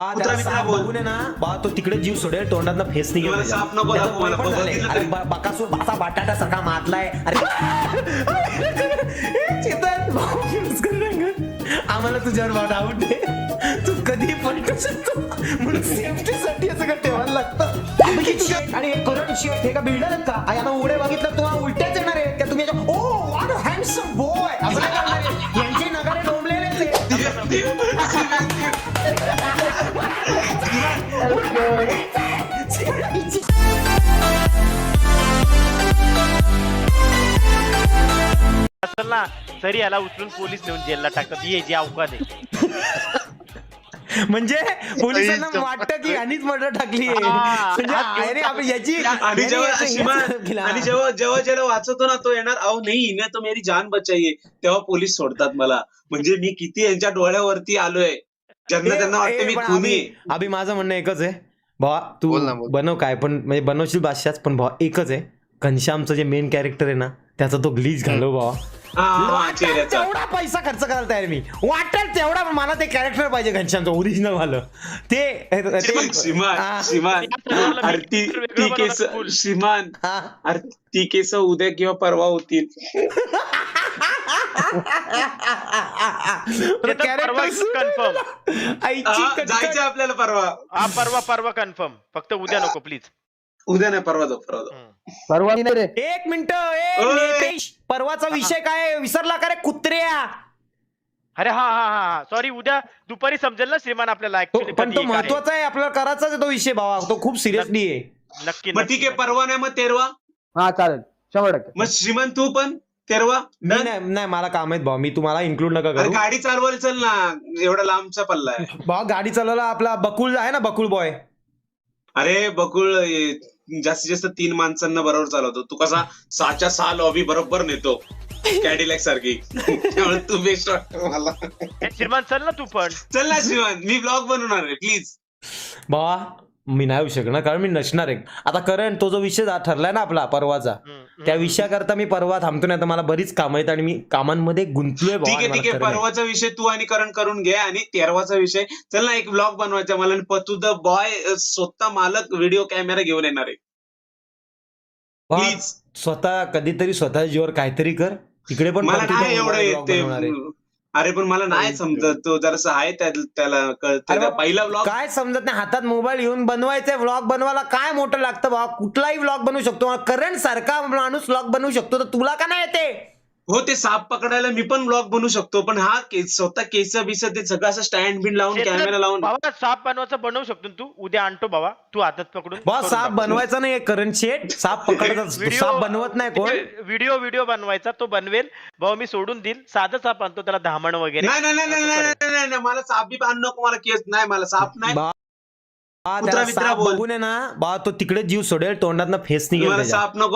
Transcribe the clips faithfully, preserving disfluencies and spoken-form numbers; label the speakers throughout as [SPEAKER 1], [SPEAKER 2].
[SPEAKER 1] बघून आहे ना बा तो तिकडे जीव सोडेल तोंडात फेस निघेल बकासूर भासा बटाटा सारखा मातलाय अरे आम्हाला तुझ्यावर डाऊट आहे तू कधी पलटू शकतो म्हणून सेफ्टीसाठी असं का ठेवायला लागतं आणि करंट शेट हे का बिल्डर आहेत का याला उडे बघितलं तो उलट्याच येणार आहे का तुम्ही oh what a handsome boy असं काय करणार आहे यांचे नगारे डोंबलेलेच
[SPEAKER 2] असेल ना तरी याला उचलून पोलीस नेऊन जेलला टाकतात ही जी अवकाश आहे
[SPEAKER 1] म्हणजे पोलिसांना वाटतं की यांनीच मर्डर टाकली आहे याची
[SPEAKER 3] आणि जेव्हा आणि जेव्हा जेव्हा ज्याला वाचवतो ना तो येणार अहो नाही इने तो मेरी जान बचाई तेव्हा पोलीस सोडतात मला म्हणजे मी किती यांच्या डोळ्यावरती आलोय ज्यांना त्यांना वाटतं मी खुनी आहे.
[SPEAKER 1] अभि माझं म्हणणं एकच आहे भावा तू बनव काय पण म्हणजे बनवशील बादशाच पण भावा एकच आहे घनश्यामचं जे मेन कॅरेक्टर आहे ना त्याचा तो ग्लीच घालव भावा तेवढा पैसा खर्च करायला तयार मी वाटेल तेवढा मला ते कॅरेक्टर पाहिजे घनश्यामचं ओरिजिनल वालं ते
[SPEAKER 3] श्रीमान श्रीमान ती केस श्रीमान ती केस उद्या किंवा परवा होतील
[SPEAKER 2] कन्फर्म
[SPEAKER 3] जायचं आपल्याला परवा
[SPEAKER 2] हा परवा परवा कन्फर्म फक्त उद्या नको प्लीज
[SPEAKER 3] उद्या नाही परवा जाऊ परवा जाऊ
[SPEAKER 4] परवा नाही रे
[SPEAKER 1] एक मिनिट परवाचा विषय काय विसरला का रे कुत्र्या
[SPEAKER 2] अरे हा हा हा सॉरी उद्या दुपारी समजेल ना श्रीमान आपल्याला
[SPEAKER 1] पण तो महत्वाचा आहे आपल्याला करायचाच आहे तो विषय भावा तो खूप सिरियसली आहे
[SPEAKER 2] नक्की
[SPEAKER 3] मग ठीक आहे परवा नाही मग तेरवा
[SPEAKER 4] हा चालेल शंभर टक्के
[SPEAKER 3] मग श्रीमान तू पण तेरवा
[SPEAKER 1] नाही नाही मला काम आहेत भाऊ मी तुम्हाला इन्क्लूड नका करू
[SPEAKER 3] गाडी चालवायला चल ना एवढा लांबचा पल्ला आहे
[SPEAKER 1] भाऊ गाडी चालवायला आपला बकुल आहे ना बकुल बॉय
[SPEAKER 3] अरे बकुळ जास्तीत जास्त तीन माणसांना बरोबर चालवतो तू कसा सहाच्या सहा लॉबी बरोबर नेतो कॅडिलॅक सारखी त्यामुळे तू बेस्ट वाटतो मला
[SPEAKER 2] श्रीमान चल ना तू पण
[SPEAKER 3] चल ना श्रीमान मी ब्लॉग बनवणार आहे प्लीज
[SPEAKER 1] भावा मी नाही येऊ शकणार कारण मी नसणार आहे आता करण तो जो विषय ठरलाय ना आपला परवाचा त्या विषयाकरता मी परवा थांबतो नाही तर मला बरीच कामं आहेत आणि मी कामांमध्ये गुंतलोय
[SPEAKER 3] ठीक आहे ठीक आहे परवाचा विषय तू आणि करण करून घे आणि तेरवाचा विषय चल ना एक ब्लॉग बनवायचा मला पतू द बॉय स्वतः मालक व्हिडिओ कॅमेरा घेऊन येणार आहे प्लीज
[SPEAKER 1] स्वतः कधीतरी स्वतः जीवर काहीतरी कर तिकडे पण
[SPEAKER 3] मला नाही एवढं येते अरे पण मला नाही समजत तो जरासा आहे त्याला कळतं पहिला व्लॉग
[SPEAKER 1] काय समजत नाही हातात मोबाईल घेऊन बनवायचा व्लॉग बनवायला काय मोठं लागतं बाबा कुठलाही व्लॉग बनवू शकतो करंट सारखा माणूस व्लॉग बनवू शकतो तर तुला का नाही येते
[SPEAKER 3] हो ते साप पकडायला मी पण ब्लॉग बनवू शकतो पण हा स्वतः केस बिस ते सगळं असं स्टँड बिन लावून कॅमेरा लावून
[SPEAKER 2] बाबा साप बनवायचं बनवू शकतो तू उद्या आणतो बाबा तू हातात पकडून
[SPEAKER 1] बाबा साप बनवायचा नाही करंट शेट साप पकडायचा साप बनवत नाही कोण
[SPEAKER 2] व्हिडिओ व्हिडिओ बनवायचा तो बनवेल भाऊ मी सोडून देईल साधं साप आणतो त्याला धामण वगैरे
[SPEAKER 3] नाही नाही नाही नाही मला साप बी आणू नको मला केस नाही मला साप नाही
[SPEAKER 1] बघून आहे ना बा तो तिकडे जीव सोडेल तोंडात फेस निघेल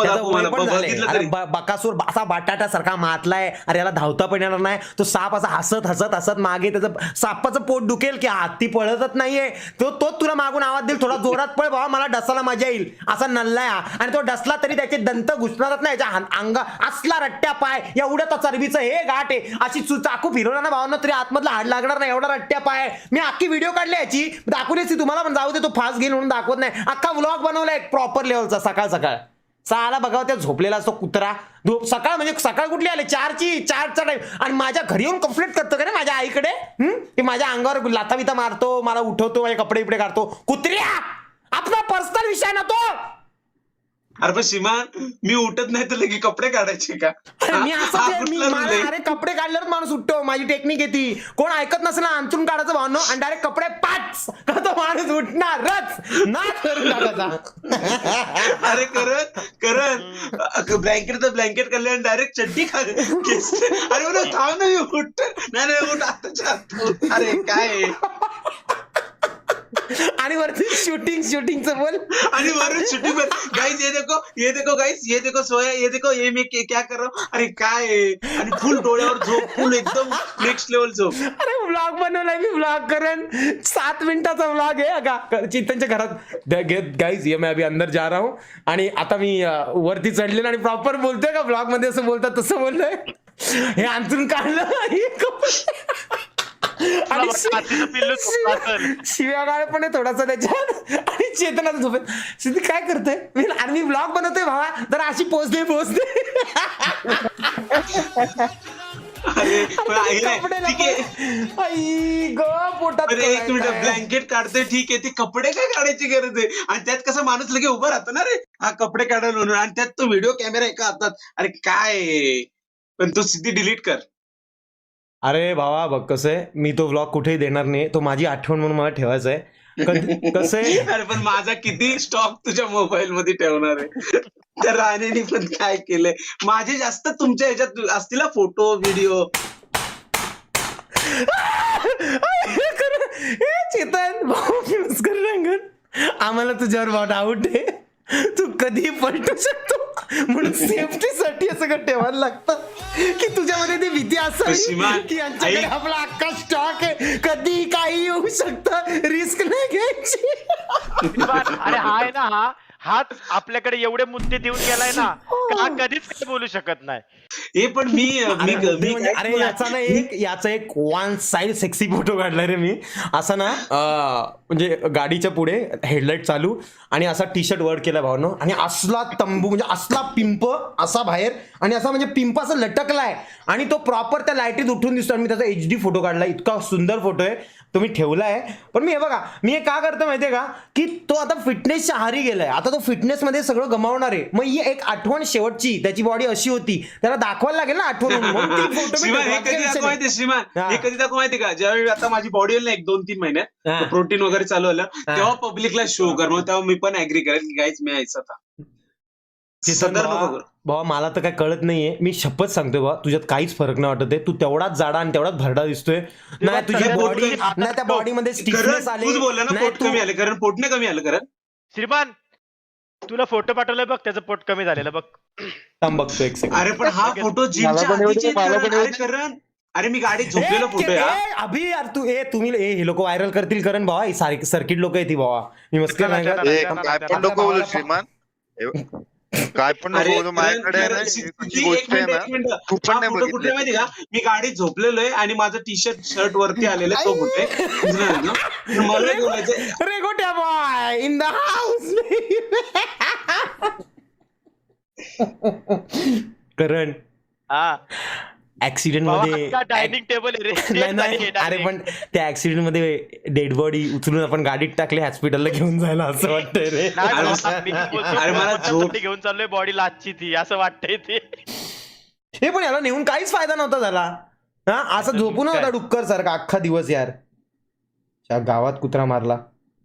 [SPEAKER 1] बकासूर असा बटाटा सारखा मातलाय अरे याला धावता पण येणार नाही तो साप असा हसत हसत हसत मागे त्याचं सापाचं पोट दुखेल की हत्ती पळतच नाहीये तो तोच तुला मागून आवाज देईल थोडा जोरात पळ बाबा मला डसाला मजा येईल असा नल्लाय आणि तो डसला तरी त्याचे दंत घुसणारच नाही याच्या अंग असला रट्ट्या पाय एवढ्या तो चरबीचं हे गाठ आहे अशी चाकू फिरवला ना भावना तरी आतमधला हाड लागणार नाही एवढा रट्ट्या पाय मी अख्खी व्हिडिओ काढली याची दाखवली तुम्हाला पण जाऊ तो फास्ट घेईल म्हणून दाखवत नाही अख्खा व्लॉग बनवला एक प्रॉपर लेवलचा सकाळ सकाळ साला बघा त्या झोपलेला असतो कुत्रा सकाळ म्हणजे सकाळ कुठली आले चारची चारचा टाइम आणि माझ्या घरी येऊन कंप्लेंट करतो का रे माझ्या आईकडे की माझ्या अंगावर लाथा बिथा मारतो मला उठवतो माझे कपडे बिपडे काढतो कुत्र्या आपला पर्सनल विषय ना तो
[SPEAKER 3] अरे पण श्रीमान मी उठत नाही तर लगे कपडे काढायचे का
[SPEAKER 1] मी असं अरे कपडे काढल्यावर माणूस उठतो माझी टेक्निक आहे ती कोण ऐकत नसेल ना अंतरून काढायचं भावनो आणि डायरेक्ट कपडे पाच का तो माणूस उठणारच ना करून टाकायचा
[SPEAKER 3] अरे करत करत ब्लँकेट तर ब्लँकेट काढले आणि डायरेक्ट चड्डी खा अरे बरं थांब ना मी उठत नाही नाही उठ आताच्या अरे काय
[SPEAKER 1] आणि वरती शूटिंग शूटिंगचं बोल
[SPEAKER 3] आणि वरून शूटिंग गाइस ये देखो ये देखो गाइस ये देखो सोया ये देखो ये मैं क्या कर रहा हूँ अरे काय आणि फुल डोळ्यावर झोप फुल एकदम नेक्स्ट लेवल झोप
[SPEAKER 1] अरे व्लॉग बनवलाय मी व्लॉग करेन सात मिनिटाचा व्लॉग आहे अगा चिंतनच्या घरात गाइस ये मैं अभी अंदर जा रहा हूँ आणि आता मी वरती चढलेलो आणि प्रॉपर बोलतोय का व्लॉग मध्ये असं बोलतात तसं बोललोय हे अंतरून काढलं आणि
[SPEAKER 2] हातीचं पिल्लू झोपलं असेल.
[SPEAKER 1] शिव्यागाळ पण आहे थोडासा त्याच्यात आणि चेतनाचं झोपेत. सिद्धी काय करतोय मी आणि मी ब्लॉग बनवतोय भावा तर अशी पोचते पोचते
[SPEAKER 3] अरे पण आहे रे, ठीक आहे
[SPEAKER 1] आई ग पोटात
[SPEAKER 3] अरे एक मिनिट
[SPEAKER 1] कळायचं.
[SPEAKER 3] ब्लँकेट काढते ठीक आहे, ते कपडे काय काढायची गरज आहे? आणि त्यात कसा माणूस लगे उभा राहतो ना रे, हा कपडे काढायला म्हणून, आणि त्यात तो व्हिडिओ कॅमेरा एका हातात. अरे काय आहे? पण तो सिद्धी डिलीट कर.
[SPEAKER 1] अरे भावा बघ कसं आहे मी तो व्लॉग कुठेही देणार नाही, तो माझी आठवण म्हणून मला ठेवायचा आहे. कसं आहे
[SPEAKER 3] अरे पण माझा किती स्टॉक तुझ्या मोबाईल मध्ये ठेवणार आहे? त्या राणेने पण काय केलंय? माझे जास्त तुमच्या ह्याच्यात असतील फोटो व्हिडिओ.
[SPEAKER 1] चेतन भाऊ नमस्कार रंगन, आम्हाला तुझ्यावर भाऊ डाऊट आहे, तू कधी पलटू शकतो म्हणून सेफ्टीसाठी असं का ठेवायला लागतं की तुझ्यामध्ये ती भीती असावी
[SPEAKER 3] सीमा,
[SPEAKER 1] की यांच्याकडे
[SPEAKER 3] ऐक.
[SPEAKER 1] आपला अख्खा स्टॉक आहे, कधी काही येऊ शकतं, रिस्क नाही घ्यायची.
[SPEAKER 2] अरे हा आहे ना, हा हाच आपल्याकडे एवढे मुद्दे देऊन गेलाय ना का हा कधीच काही बोलू शकत नाही.
[SPEAKER 3] हे पण मी मी
[SPEAKER 1] अरे
[SPEAKER 3] मी
[SPEAKER 1] म्हणजे- अरे याचा ना एक याचा एक वन साइड सेक्सी फोटो काढलाय रे मी, असा ना अं, म्हणजे गाडीच्या पुढे हेडलाईट चालू आणि असा टी शर्ट वर केला भावनो आणि असला तंबू म्हणजे असला पिंप असा बाहेर आणि असा म्हणजे पिंप असं लटकलाय आणि तो प्रॉपर त्या लाईटीत उठून दिसतो आणि मी त्याचा एच डी फोटो काढलाय. इतका सुंदर फोटो आहे तो मी ठेवलाय. पण मी हे बघा मी हे का करतो माहितीये का की तो आता फिटनेसच्या आहारी गेलाय, आता तो फिटनेस मध्ये सगळं गमावणार आहे. मग ही एक आठवण शेवटची, त्याची बॉडी अशी होती त्याला दाखवायला लागेल ना आठवण म्हणून. म्हणून ती photo मी
[SPEAKER 3] श्रीमान हे
[SPEAKER 1] ठेवला.
[SPEAKER 3] कधी
[SPEAKER 1] काही विषय
[SPEAKER 3] दाखव माहिती
[SPEAKER 1] नाही.
[SPEAKER 3] श्रीमान
[SPEAKER 1] हा.
[SPEAKER 3] हे कधी दाखव माहिती का? ज्यावेळी आता माझी बॉडी होईल ना एक दोन तीन
[SPEAKER 1] हा.
[SPEAKER 3] महिन्यात प्रोटीन वगैरे चालू झालं
[SPEAKER 1] हा.
[SPEAKER 3] तेव्हा पब्लिकला शो कर, मग तेव्हा मी पण ऍग्री करेल की काहीच मी यायचं आता.
[SPEAKER 1] चेतन
[SPEAKER 3] संदर्भ
[SPEAKER 1] भावा
[SPEAKER 3] बघ.
[SPEAKER 1] भावा, मला तर काय कळत नाहीये, मी शपथ सांगतोय बाबा तुझ्यात काहीच फरक नाही वाटत आहे, तू तेवढाच जाडा आणि तेवढाच भरडा दिसतोय. नाही तुझी
[SPEAKER 3] सगळ्यात
[SPEAKER 1] बॉडी
[SPEAKER 3] मोठं-
[SPEAKER 1] नाही त्या बॉडीमध्ये
[SPEAKER 3] कारण
[SPEAKER 1] स्टिफनेस आली
[SPEAKER 3] तूच बोलला ना
[SPEAKER 1] नाही
[SPEAKER 3] पोट
[SPEAKER 1] तू-
[SPEAKER 3] कमी आलं, कारण पोटने कमी आलं कारण.
[SPEAKER 2] श्रीमान तुला फोटो पाठवलाय बघ, त्याचं पोट कमी झालेलं बघ.
[SPEAKER 1] थांब बघतो एक सेकंड.
[SPEAKER 3] अरे पण हा फोटो जिमच्या
[SPEAKER 4] मला पण येऊ दे,
[SPEAKER 3] आधीचे आहेत
[SPEAKER 4] मला
[SPEAKER 3] करण.
[SPEAKER 4] पण येऊ
[SPEAKER 3] अरे
[SPEAKER 4] दे.
[SPEAKER 3] करण अरे मी गाडीत झोपलेलो फोटो
[SPEAKER 1] ए,
[SPEAKER 3] आहे.
[SPEAKER 1] ए, अभि यार तू ए तुम्ही ए हे लोक व्हायरल करतील करण भावा, सर्किट लोक येतील भावा, मी मस्कर नाही करत.
[SPEAKER 2] नाही,
[SPEAKER 5] ए,
[SPEAKER 2] नाही,
[SPEAKER 5] काय
[SPEAKER 2] नाही,
[SPEAKER 5] पण नको बोलू श्रीमान. ए, काय पण
[SPEAKER 3] अरे
[SPEAKER 5] नको बोलू, माझ्याकडे आहे ना
[SPEAKER 3] करण,
[SPEAKER 5] ही
[SPEAKER 3] सिद्धी,
[SPEAKER 5] गोष्ट
[SPEAKER 3] एक
[SPEAKER 5] आहे
[SPEAKER 3] मिनिट
[SPEAKER 5] ना,
[SPEAKER 3] एक मिनिट
[SPEAKER 5] तू पण
[SPEAKER 3] हा
[SPEAKER 5] नाही
[SPEAKER 3] फोटो कुठे
[SPEAKER 5] बघितलं.
[SPEAKER 3] माहिती का? मी गाडीत झोपलेलो आहे आणि माझं टी शर्ट शर्ट वरती आलेलं आहे, तो फोटो आहे. समजलं ना? तर मला एक बोलायचं
[SPEAKER 1] रे Gotya boy in the house. Karan
[SPEAKER 2] हा
[SPEAKER 1] ऍक्सिडेंट मध्ये
[SPEAKER 2] डायनिंग टेबल
[SPEAKER 1] नाही नाही अरे पण त्या ऍक्सिडेंट मध्ये डेड बॉडी उचलून आपण गाडीत टाकले हॉस्पिटलला घेऊन जायला असं वाटतंय रे.
[SPEAKER 3] अरे मला झोप-
[SPEAKER 2] घेऊन चाललोय बॉडी लाचची ती असं वाटतंय ते.
[SPEAKER 1] हे पण याला नेऊन काहीच फायदा नव्हता झाला. हा असं झोपून होता डुक्कर सारखा अख्खा दिवस यार. त्या गावात कुत्रा मारला.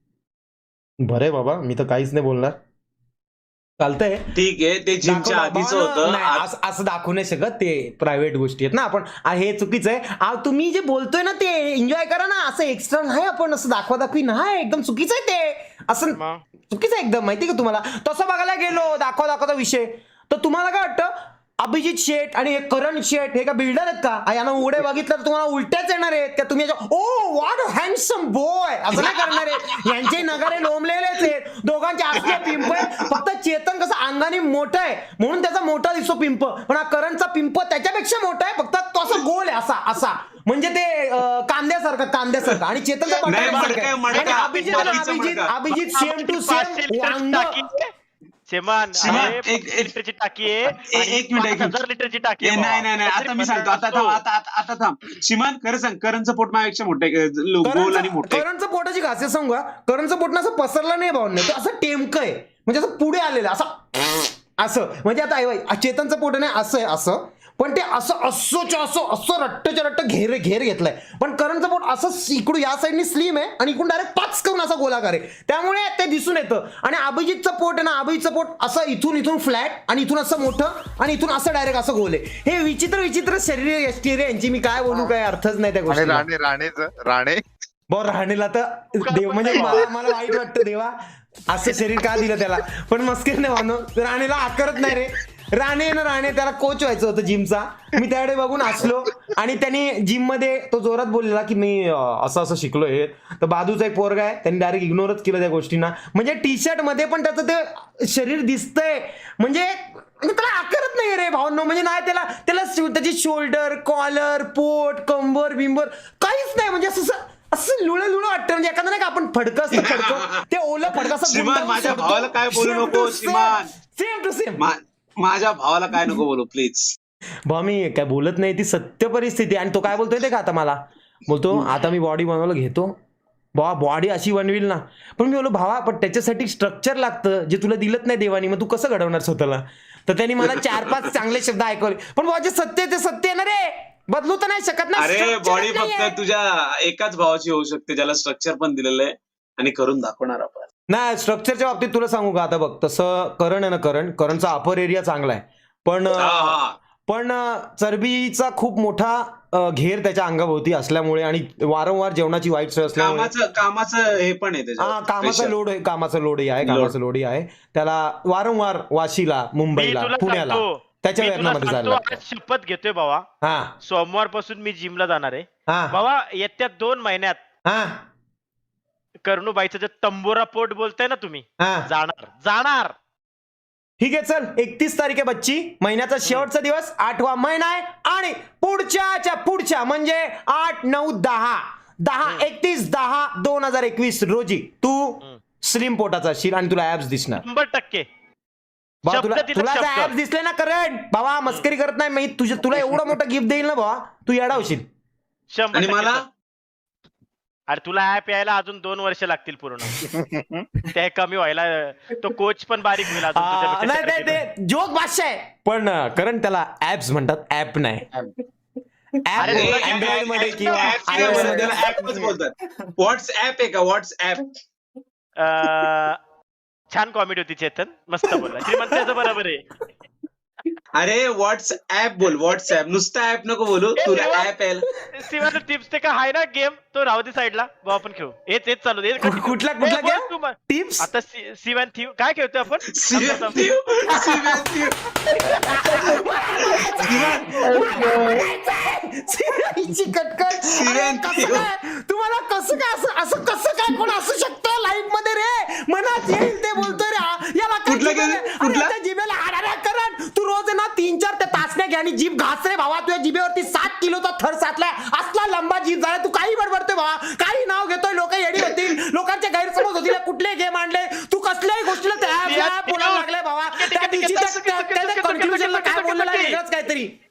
[SPEAKER 1] बरे बाबा मी तर काहीच नाही बोलणार, चालतंय.
[SPEAKER 3] ठीक आहे, ते जिमच्या
[SPEAKER 1] दाखव-
[SPEAKER 3] आधीच
[SPEAKER 1] दाखव-
[SPEAKER 3] होतं.
[SPEAKER 1] नाही,
[SPEAKER 3] आ-
[SPEAKER 1] असं असं दाखवू नाही शकत, ते प्रायव्हेट गोष्टी आहेत ना. आपण आ, हे चुकीचं आहे. आ, तुम्ही जे बोलतोय ना ते एन्जॉय करा ना, असं एक्स्ट्रा नाही आपण असं दाखवा दाखवी नाही, एकदम चुकीचं आहे ते. असं
[SPEAKER 2] मग?
[SPEAKER 1] चुकीचं आहे एकदम, माहिती का तुम्हाला. तसं बघायला गेलो दाखवा दाखवाचा विषय तर तुम्हाला काय वाटतं अभिजित शेठ आणि हे करण शेठ हे का बिल्डर आहेत का? आ, यांना उघडे बघितलं तर तुम्हाला उलट्याच येणार आहेत का? तुम्ही ओ व्हॉट हँडसम बॉय असं नाही करणार आहे. यांचे नगारे लोंबलेलेच आहेत, दोघांचे असले पिंप आहेत. फक्त चेतन कसं अंगाने मोठा आहे म्हणून त्याचा मोठा दिसतो पिंप, पण हा करणचा पिंप त्याच्यापेक्षा मोठा आहे, फक्त तो असा गोल आहे असा असा म्हणजे ते अं, कांद्यासारखं कांद्यासारखं आणि चेतनचा
[SPEAKER 3] नाही,
[SPEAKER 1] पट्टा
[SPEAKER 3] मडका आहे, मडका.
[SPEAKER 1] आणि अभिजित आणि
[SPEAKER 3] बाकीचं
[SPEAKER 1] अभिजित
[SPEAKER 3] मडका.
[SPEAKER 1] अभिजित सेम टू
[SPEAKER 2] पाचशे
[SPEAKER 1] सेम
[SPEAKER 2] लिटरची
[SPEAKER 1] वांग.
[SPEAKER 2] टाकी आहे. शेमान
[SPEAKER 3] शेमान,
[SPEAKER 2] अरे,
[SPEAKER 3] एक-
[SPEAKER 2] पस्तीस
[SPEAKER 3] एक-
[SPEAKER 2] लिटरची टाकी आहे
[SPEAKER 3] एक-
[SPEAKER 2] आणि
[SPEAKER 3] एक मिनिट, एक
[SPEAKER 2] पाच हजार लिटरची टाकी
[SPEAKER 3] ए,
[SPEAKER 2] आहे
[SPEAKER 3] नाही
[SPEAKER 2] भावा.
[SPEAKER 3] नाही नाही आता मी सांगतो, आता थांब आता आता आता थांब. श्रीमान खरं सांग, करणचं पोट माझ्यापेक्षा मोठं आहे, लो- गोल आणि मोठं आहे.
[SPEAKER 1] करणचं पोटाची खासियत सांगू का? करणचं पोट ना असं पसरलं नाही भावने, तो असं टेमकं आहे म्हणजे असं पुढे आलेलं असं असं म्हणजे आता ऐ- चेतनचं पोट नाही असं आहे असं, पण ते असं असोच्या असं असं रट्टच्या रट्ट घेर घेर घेतलाय. पण करणचं पोट असं इकडून या साईडनी स्लिम आहे आणि इकडून डायरेक्ट पाच करून असा गोलाकार आहे, त्यामुळे ते दिसून येतं. आणि अभिजितचं पोट आहे ना, अभिजितचं पोट असं इथून इथून फ्लॅट आणि इथून असं मोठं आणि इथून असं डायरेक्ट असं गोल आहे. हे विचित्र विचित्र शरीर यष्टी रे यांची, मी काय बोलू, काय अर्थच नाही त्या
[SPEAKER 5] आणि
[SPEAKER 1] गोष्टी.
[SPEAKER 5] राणे राणेच राणे
[SPEAKER 1] बरं राहणीला तर देव म्हणजे मला मला वाईट वाटतं, देवा असं शरीर का दिलं त्याला. पण मस्कर नाही मानो, राणेला आकारत नाही रे. राणे ना राणे त्याला कोच व्हायचं होतं जिमचा. मी त्याकडे बघून हसलो आणि त्यांनी जिम मध्ये तो जोरात बोललेला की मी अं, असं असं शिकलोय. तर बाजूचा एक पोरगा आहे त्यांनी डायरेक्ट इग्नोरच केलं त्या गोष्टींना. म्हणजे टी शर्ट मध्ये पण त्याचं ते शरीर दिसतंय म्हणजे म्हणजे त्याला आकारत नाही रे भावनो, म्हणजे नाही त्याला त्याला शो- त्याची शोल्डर, कॉलर, पोट, कंबर बिंबर काहीच नाही, म्हणजे असं असं लुळं लुळं वाटतं, म्हणजे एखादं नाही का आपण फडकं असतं फडकं ते ओलं फडकं असं
[SPEAKER 3] श्रीमान,
[SPEAKER 1] गुंडाळून
[SPEAKER 3] माझ्या
[SPEAKER 1] सोडतो.
[SPEAKER 3] भावाला काय बोलू
[SPEAKER 1] Same
[SPEAKER 3] नको,
[SPEAKER 1] to same.
[SPEAKER 3] Shriman.
[SPEAKER 1] Same to same.
[SPEAKER 3] मा- माझ्या भावाला काय नको बोलू प्लीज.
[SPEAKER 1] भाऊ मी काय बोलत नाही, ती सत्य परिस्थिती आहे. आणि तो काय बोलतोय ते का आता मला बोलतो आता मी बॉडी बनवायला घेतो, भावा बॉडी अशी बनविल ना, पण मी बोललो भावा पण त्याच्यासाठी स्ट्रक्चर लागतं जे तुला दिलत नाही देवानी, मग तू कसं घडवणार स्वतःला. तर त्यांनी मला चार पाच चांगले शब्द ऐकवले, पण भाऊ जे सत्य आहे ते सत्य आहे ना रे, बदलू तर नाही शकत ना.
[SPEAKER 3] अरे
[SPEAKER 1] structure
[SPEAKER 3] बॉडी
[SPEAKER 1] च नाहीये.
[SPEAKER 3] फक्त तुझ्या एकाच भावाची होऊ शकते ज्याला स्ट्रक्चर पण दिलेलं आहे आणि करून दाखवणार आपण.
[SPEAKER 1] नाही स्ट्रक्चरच्या बाबतीत तुला सांगू का आता बघ, तसं करण आहे ना, करण करणचा अपर एरिया चांगला आहे, पण
[SPEAKER 3] हा, हा.
[SPEAKER 1] पण चरबीचा खूप मोठा अ, घेर त्याच्या अंगाभोवती असल्यामुळे आणि वारंवार जेवणाची वाईट सवय असल्यामुळे
[SPEAKER 3] कामाचं कामाचं हे पण आहे
[SPEAKER 1] हा
[SPEAKER 3] त्याच्यावर
[SPEAKER 1] कामाचा
[SPEAKER 3] pressure.
[SPEAKER 1] लोड आहे, कामाचा लोडही आहे,
[SPEAKER 3] Load.
[SPEAKER 1] कामाचा लोडही आहे त्याला, वारंवार वाशीला,
[SPEAKER 2] मी
[SPEAKER 1] मुंबईला,
[SPEAKER 2] तुला
[SPEAKER 1] पुण्याला
[SPEAKER 2] सांगतो
[SPEAKER 1] त्याच्या
[SPEAKER 2] मी तुला
[SPEAKER 1] वेतनामध्ये जायला
[SPEAKER 2] सांगतो,
[SPEAKER 1] लागतं.
[SPEAKER 2] आज शपथ घेतोय बाबा,
[SPEAKER 1] हा
[SPEAKER 2] सोमवार पासून मी जिमला जाणार आहे
[SPEAKER 1] हा
[SPEAKER 2] बाबा. येत्या दोन महिन्यात
[SPEAKER 1] हा
[SPEAKER 2] करणूबाईचं जे तंबोरा पोट बोलताय ना तुम्ही,
[SPEAKER 1] हा
[SPEAKER 2] जाणार जाणार.
[SPEAKER 1] ठीक आहे चल, एकतीस तारीख आहे बच्ची, महिन्याचा शेवटचा दिवस, आठवा महिना आहे, आणि पुढच्याच्या पुढच्या म्हणजे आठ नऊ दहा दहा एकतीस दहा दोन हजार एकवीस रोजी तू
[SPEAKER 2] हम्म.
[SPEAKER 1] स्लिम पोटाचा असशील आणि तुला ऍप्स दिसणार.
[SPEAKER 2] शंभर टक्के
[SPEAKER 1] बाबा
[SPEAKER 2] शब्द
[SPEAKER 1] तुला
[SPEAKER 2] दिला,
[SPEAKER 1] तुला
[SPEAKER 2] शब्द.
[SPEAKER 1] ऍप्स दिसले ना करण, बाबा मस्करी करत नाही मी, तुझ्या तुला एवढं मोठं गिफ्ट देईल ना बाबा, तू येडा होशील.
[SPEAKER 2] शंभर
[SPEAKER 3] आणि
[SPEAKER 2] टक्के
[SPEAKER 3] मला
[SPEAKER 2] सर. अरे तुला ऍप यायला अजून दोन वर्ष लागतील पूर्ण. ते कमी व्हायला तो कोच पण बारीक होईल अजून
[SPEAKER 1] आ,
[SPEAKER 2] तुझ्यापेक्षा
[SPEAKER 1] नाही नाही,
[SPEAKER 2] शर्यतीत.
[SPEAKER 1] ते जोक भाषा आहे, पण अं, करण त्याला ऍप्स म्हणतात, ऍप नाही. ऍप
[SPEAKER 2] अरे तुला
[SPEAKER 1] अँड्रॉइड मध्ये किंवा
[SPEAKER 3] app नाही
[SPEAKER 1] iOS
[SPEAKER 3] बोलत,
[SPEAKER 1] मध्ये
[SPEAKER 3] त्याला ऍपच बोलतात. व्हॉट्सअप आहे का व्हॉट्सअप?
[SPEAKER 2] अं, छान कॉमेडी होती चेतन, मस्त बोलला. श्रीमंताचं बरोबर आहे.
[SPEAKER 3] अरे व्हॉट्सअप बोल, व्हॉट्सअप, नुसता ऍप नको बोलू,
[SPEAKER 2] ए,
[SPEAKER 3] तुला
[SPEAKER 2] देवा.
[SPEAKER 3] ऍप आहे.
[SPEAKER 2] शिवाय टिप्स ते का आहे ना गेम, तो राहू दे साईडला, भाऊ आपण खेळू. हेच हेच चालू दे.
[SPEAKER 1] कु- कुठला कुठला
[SPEAKER 2] ए, बोल
[SPEAKER 1] गेम
[SPEAKER 2] तू मग.
[SPEAKER 1] टिप्स
[SPEAKER 2] आता सिवन थीव काय खेळतोय आपण?
[SPEAKER 3] Matthew, see Matthew.
[SPEAKER 1] कटकट
[SPEAKER 3] सिरेन
[SPEAKER 1] कसं
[SPEAKER 3] देव.
[SPEAKER 1] काय तुम्हाला कसं काय असं असं कसं काय कोण असू शकतं लाईफ मध्ये रे, मनात येईल ते बोलतोय रे हा. याला काय
[SPEAKER 3] कुठला
[SPEAKER 1] जिभेला-
[SPEAKER 3] गेम?
[SPEAKER 1] अरे
[SPEAKER 3] कुठला?
[SPEAKER 1] त्या जिभेला हाडाऱ्या करण, तू रोज आहे ना तीन चार त्या तासण्या घे आणि जीभ घास रे भावा, तुझ्या जिभेवरती सात किलोचा थर साचलाय, असला लंबा जीभ झाला, तू काही बडबडतोय भावा, काही नाव घेतोय, लोक येडी होतील, लोकांचे गैरसमज होतील, कुठले गेम आणले तू, कसल्याही गोष्टीला त्या app- app बोलायला लागले भावा. त्या दिवशी त्या- त्या- त्या conclusion ला काय बोललेलं आहे वेगळंच काहीतरी.